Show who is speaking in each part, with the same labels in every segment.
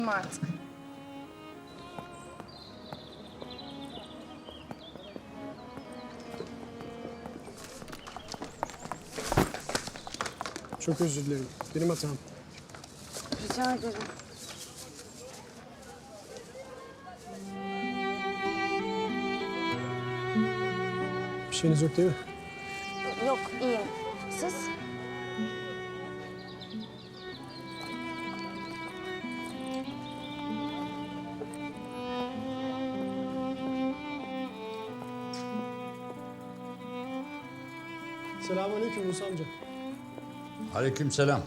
Speaker 1: artık.
Speaker 2: Çok özür dilerim. Benim hatam.
Speaker 1: Rica ederim.
Speaker 2: Bir şeyiniz yok değil mi?
Speaker 1: Yok, iyiyim. Siz?
Speaker 2: Selamünaleyküm Musa amca.
Speaker 3: Aleykümselam.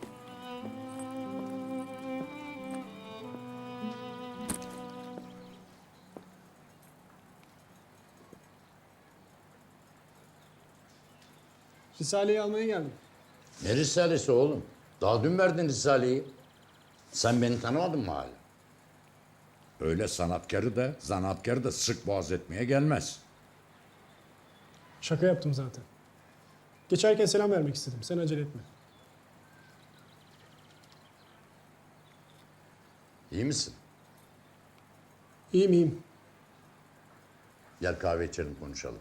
Speaker 2: Risale'yi almaya geldim.
Speaker 3: Ne risalesi oğlum? Daha dün verdin risaleyi. Sen beni tanımadın mı hala? Öyle sanatkarı da zanaatkarı da sık boğaz etmeye gelmez.
Speaker 2: Şaka yaptım zaten. Geçerken selam vermek istedim. Sen acele etme.
Speaker 3: İyi misin?
Speaker 2: İyiyim iyiyim.
Speaker 3: Gel kahve içelim konuşalım.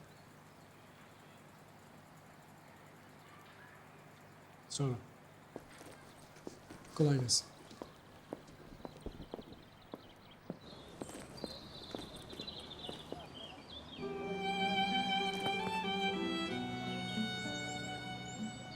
Speaker 2: Sonra. Kolay gelsin.